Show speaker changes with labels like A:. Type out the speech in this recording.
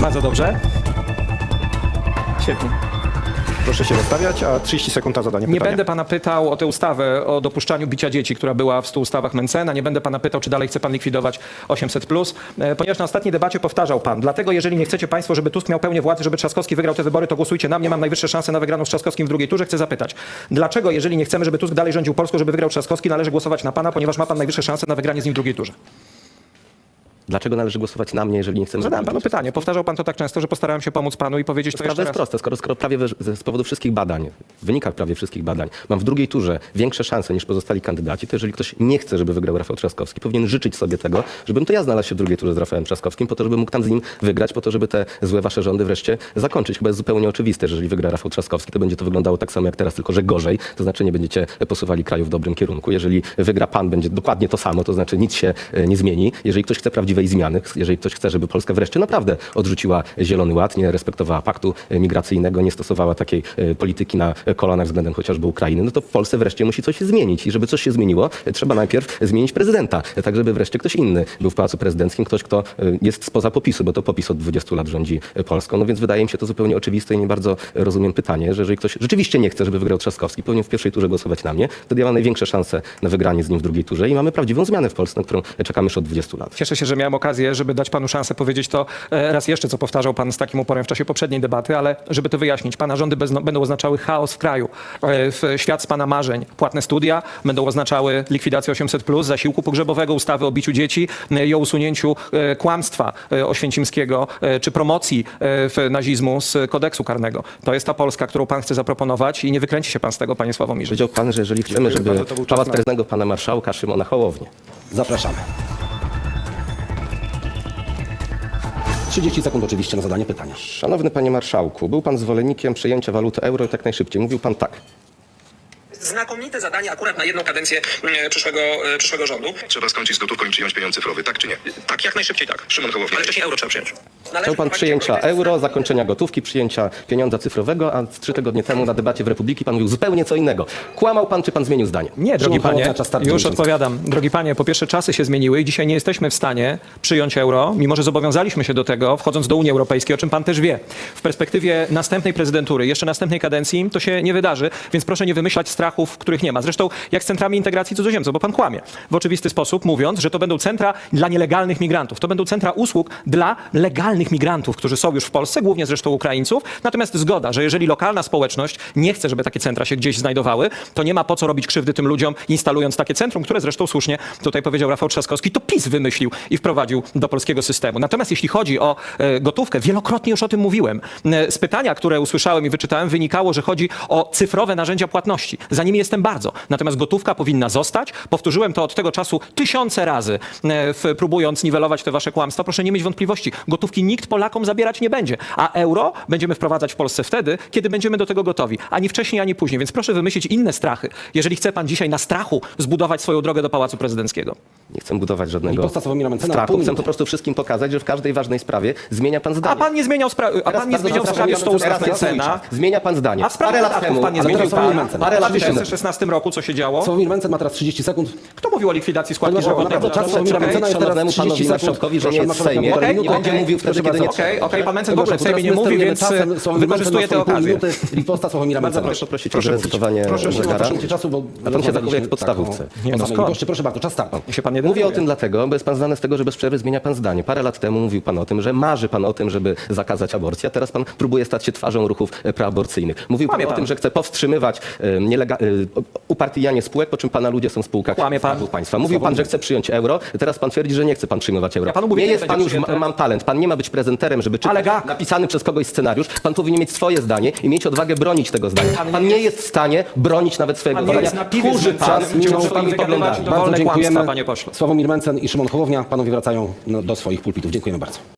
A: Bardzo dobrze. Świetnie.
B: Proszę się rozstawiać, a 30 sekund na zadanie
A: Nie
B: pytania.
A: będę pana pytał o tę ustawę o dopuszczaniu bicia dzieci, która była w 100 ustawach Mencena. Nie będę pana pytał, czy dalej chce pan likwidować 800+, ponieważ na ostatniej debacie powtarzał pan. Dlatego, jeżeli nie chcecie państwo, żeby Tusk miał pełnię władzy, żeby Trzaskowski wygrał te wybory, to głosujcie na mnie. Mam najwyższe szanse na wygraną z Trzaskowskim w drugiej turze. Chcę zapytać, dlaczego, jeżeli nie chcemy, żeby Tusk dalej rządził Polską, żeby wygrał Trzaskowski, należy głosować na pana, ponieważ ma pan najwyższe szanse na wygranie z nim w drugiej turze?
C: Dlaczego należy głosować na mnie, jeżeli nie chcemy...
A: Zadałem panu pytanie. Powtarzał pan to tak często, że postarałem się pomóc panu i powiedzieć to
C: Sprawa
A: jeszcze
C: jest
A: raz.
C: prosta. Skoro prawie z powodu wszystkich badań, w wynikach prawie wszystkich badań, mam w drugiej turze większe szanse niż pozostali kandydaci, to jeżeli ktoś nie chce, żeby wygrał Rafał Trzaskowski, powinien życzyć sobie tego, żebym to ja znalazł się w drugiej turze z Rafałem Trzaskowskim, po to, żeby mógł tam z nim wygrać, po to, żeby te złe wasze rządy wreszcie zakończyć. Chyba jest zupełnie oczywiste, że jeżeli wygra Rafał Trzaskowski, to będzie to wyglądało tak samo jak teraz, tylko że gorzej. To znaczy nie będziecie posuwali kraju w dobrym kierunku. Jeżeli wygra pan, będzie dokładnie to samo, to znaczy nic się nie zmieni. Jeżeli ktoś chce prawdziwej zmiany, jeżeli ktoś chce, żeby Polska wreszcie naprawdę odrzuciła Zielony Ład, nie respektowała paktu migracyjnego, nie stosowała takiej polityki na kolanach względem chociażby Ukrainy, no to w Polsce wreszcie musi coś się zmienić. I żeby coś się zmieniło, trzeba najpierw zmienić prezydenta, tak żeby wreszcie ktoś inny był w Pałacu Prezydenckim, ktoś, kto jest spoza popisu, bo to PiS od 20 lat rządzi Polską. No więc wydaje mi się to zupełnie oczywiste i nie bardzo rozumiem pytanie, że jeżeli ktoś rzeczywiście nie chce, żeby wygrał Trzaskowski, powinien w pierwszej turze głosować na mnie, wtedy ja mam największe szanse na wygranie z nim w drugiej turze i mamy prawdziwą zmianę w Polsce, na którą czekamy już od 20 lat.
A: Cieszę się, że miałem okazję, żeby dać panu szansę powiedzieć to raz jeszcze, co powtarzał pan z takim uporem w czasie poprzedniej debaty, ale żeby to wyjaśnić, pana rządy będą oznaczały chaos w kraju. Świat z pana marzeń, płatne studia będą oznaczały likwidację 800+, zasiłku pogrzebowego, ustawy o biciu dzieci i o usunięciu kłamstwa oświęcimskiego czy promocji nazizmu z kodeksu karnego. To jest ta Polska, którą pan chce zaproponować i nie wykręci się pan z tego, panie Sławomirze.
C: Powiedział pan, że jeżeli chcemy, żeby
B: bardzo, to był czas
C: Pałac
B: na-
C: Prezydenckiego pana marszałka Szymona Hołownię.
D: Zapraszamy. 30 sekund oczywiście na zadanie pytania.
C: Szanowny panie marszałku, był pan zwolennikiem przyjęcia waluty euro i tak najszybciej. Mówił pan tak.
A: Znakomite zadanie akurat na jedną kadencję przyszłego rządu.
E: Trzeba skończyć z gotówką i przyjąć pieniądze cyfrowe, tak czy nie?
A: Tak, jak najszybciej tak.
E: Szymon Hołownia.
A: Ale wcześniej euro trzeba przyjąć.
C: Chciał pan przyjęcia euro, zakończenia gotówki, przyjęcia pieniądza cyfrowego, a 3 tygodnie temu na debacie w Republiki pan mówił zupełnie co innego. Kłamał pan, czy pan zmienił zdanie?
A: Nie, drogi
D: Szymon
A: panie,
D: Hołownia, czas startu
A: już
D: kończący.
A: odpowiadam. Drogi panie, po pierwsze czasy się zmieniły i dzisiaj nie jesteśmy w stanie przyjąć euro, mimo że zobowiązaliśmy się do tego, wchodząc do Unii Europejskiej, o czym pan też wie. W perspektywie następnej prezydentury, jeszcze następnej kadencji, to się nie wydarzy, więc proszę nie wymyślać strachów, których nie ma. Zresztą jak z centrami integracji cudzoziemców, bo pan kłamie w oczywisty sposób, mówiąc, że to będą centra dla nielegalnych migrantów. To będą centra usług dla legalnych migrantów, którzy są już w Polsce, głównie zresztą Ukraińców. Natomiast zgoda, że jeżeli lokalna społeczność nie chce, żeby takie centra się gdzieś znajdowały, to nie ma po co robić krzywdy tym ludziom, instalując takie centrum, które zresztą słusznie tutaj powiedział Rafał Trzaskowski, to PiS wymyślił i wprowadził do polskiego systemu. Natomiast jeśli chodzi o gotówkę, wielokrotnie już o tym mówiłem. Z pytania, które usłyszałem i wyczytałem, wynikało, że chodzi o cyfrowe narzędzia płatności. Za nimi jestem bardzo. Natomiast gotówka powinna zostać. Powtórzyłem to od tego czasu tysiące razy, próbując niwelować te wasze kłamstwa. Proszę nie mieć wątpliwości. Gotówki nikt Polakom zabierać nie będzie. A euro będziemy wprowadzać w Polsce wtedy, kiedy będziemy do tego gotowi. Ani wcześniej, ani później. Więc proszę wymyślić inne strachy. Jeżeli chce pan dzisiaj na strachu zbudować swoją drogę do Pałacu Prezydenckiego.
C: Nie chcę budować żadnego
D: Riposta Sławomira Mencena,
C: strachu.
D: pół
C: Chcę
D: minuty.
C: po prostu wszystkim pokazać, że w każdej ważnej sprawie zmienia pan zdanie.
A: A pan nie zmieniał sprawy. A pan nie zmieniał sprawy 100 ustaw Mencena.
C: Zmienia pan zdanie.
A: A w sprawie
C: Parę lat
A: podatków
C: temu,
A: pan nie
D: ale
A: zmienił.
D: teraz Sławomir Mencen.
C: parę lat
A: W
C: temu.
A: 2016 roku co się działo?
D: Sławomir Mencen ma teraz 30 sekund.
A: Kto mówił o likwidacji składki
D: Panie marszałku,
A: zdrowotnej?
D: naprawdę czas Sławomira
A: Okej,
D: Mencena jest
C: Szanownemu
D: teraz 30
C: panowi
D: sekund.
C: marszałkowi, że nie
D: Proszę
C: jest w
D: marszałka,
C: Sejmie,
D: półtorej
C: i
D: minuty.
C: będzie mówił wtedy,
D: Proszę
C: kiedy nie
D: bardzo.
A: Okej, pan Mencen w
D: Dobrze,
A: ogóle w Sejmie
D: teraz
A: nie
D: my
A: mówi,
D: sterujemy
A: więc
D: czasem. Sławomir Mencen
A: wykorzystuje
D: ma
A: tę
D: swoje pół
A: okazję.
D: minuty. Riposta Sławomira
A: Bardzo
D: Mencena.
A: proszę.
C: prosić o
A: Proszę
C: zrecytowanie
A: proszę
C: zegara.
D: Czasu, bo
C: A pan się zachowuje jak w podstawówce.
A: Nie, no skąd?
D: Goście, proszę bardzo, czas startu.
A: Się pan nie
C: Mówię o
A: denerwuje.
C: tym dlatego, bo jest pan znany z tego, że bez przerwy zmienia pan zdanie. Parę lat temu mówił pan o tym, że marzy pan o tym, żeby zakazać aborcji, a teraz pan próbuje stać się twarzą ruchów preaborcyjnych. Mówił pan
A: Kłamie
C: o
A: pan.
C: tym, że chce powstrzymywać upartyjanie spółek, po czym pana ludzie są w spółkach
A: Kłamie pan.
C: Skarbu Państwa. Mówił pan, że chce przyjąć euro, teraz pan twierdzi, że nie chce pan przyjmować euro.
A: Ja panu mówię,
C: nie
A: nie
C: jest
A: będzie
C: pan już,
A: przyjęte.
C: mam talent. Pan nie ma być prezenterem, żeby czytać
A: Ale jak?
C: napisany przez kogoś scenariusz. Pan powinien mieć swoje zdanie i mieć odwagę bronić tego zdania.
A: Pan
C: Pan nie jest w stanie bronić nawet swojego
A: Pan nie jest
C: zdania.
A: na piwie
C: Kurzy pan
A: zmęczony, gdzie może pan
C: swoimi
A: wygadywać
C: poglądami.
A: dowolne
D: Bardzo dziękujemy.
A: kłamstwa, panie pośle.
D: Sławomir Mencen i Szymon Hołownia. Panowie wracają do swoich pulpitów. Dziękujemy bardzo.